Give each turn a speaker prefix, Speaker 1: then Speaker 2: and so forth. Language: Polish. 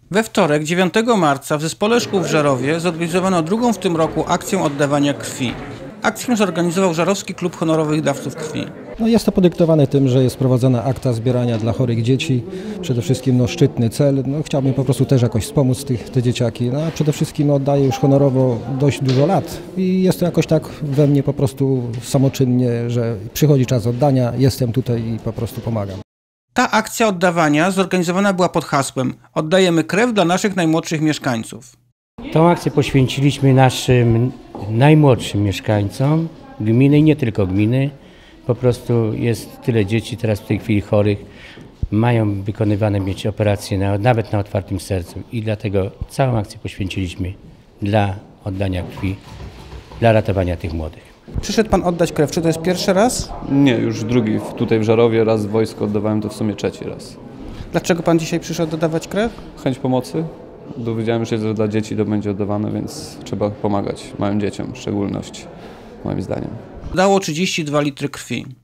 Speaker 1: We wtorek, 9 marca w Zespole Szkół w Żarowie zorganizowano drugą w tym roku akcję oddawania krwi. Akcję zorganizował Żarowski Klub Honorowych Dawców Krwi.
Speaker 2: Jest to podyktowane tym, że jest prowadzona akta zbierania dla chorych dzieci. Przede wszystkim szczytny cel. Chciałbym po prostu też jakoś wspomóc te dzieciaki. A przede wszystkim oddaję już honorowo dość dużo lat i jest to jakoś tak we mnie po prostu samoczynnie, że przychodzi czas oddania, jestem tutaj i po prostu pomagam.
Speaker 1: Ta akcja oddawania zorganizowana była pod hasłem „Oddajemy krew dla naszych najmłodszych mieszkańców”.
Speaker 3: Tą akcję poświęciliśmy naszym najmłodszym mieszkańcom gminy i nie tylko gminy. Po prostu jest tyle dzieci teraz w tej chwili chorych, mają wykonywane mieć operacje nawet na otwartym sercu i dlatego całą akcję poświęciliśmy dla oddania krwi, dla ratowania tych młodych.
Speaker 1: Przyszedł pan oddać krew. Czy to jest pierwszy raz?
Speaker 4: Nie, już drugi tutaj w Żarowie, raz w wojsku oddawałem, to w sumie trzeci raz.
Speaker 1: Dlaczego pan dzisiaj przyszedł oddawać krew?
Speaker 4: Chęć pomocy. Dowiedziałem się, że dla dzieci to będzie oddawane, więc trzeba pomagać małym dzieciom w szczególności, moim zdaniem.
Speaker 1: Dało 32 litry krwi.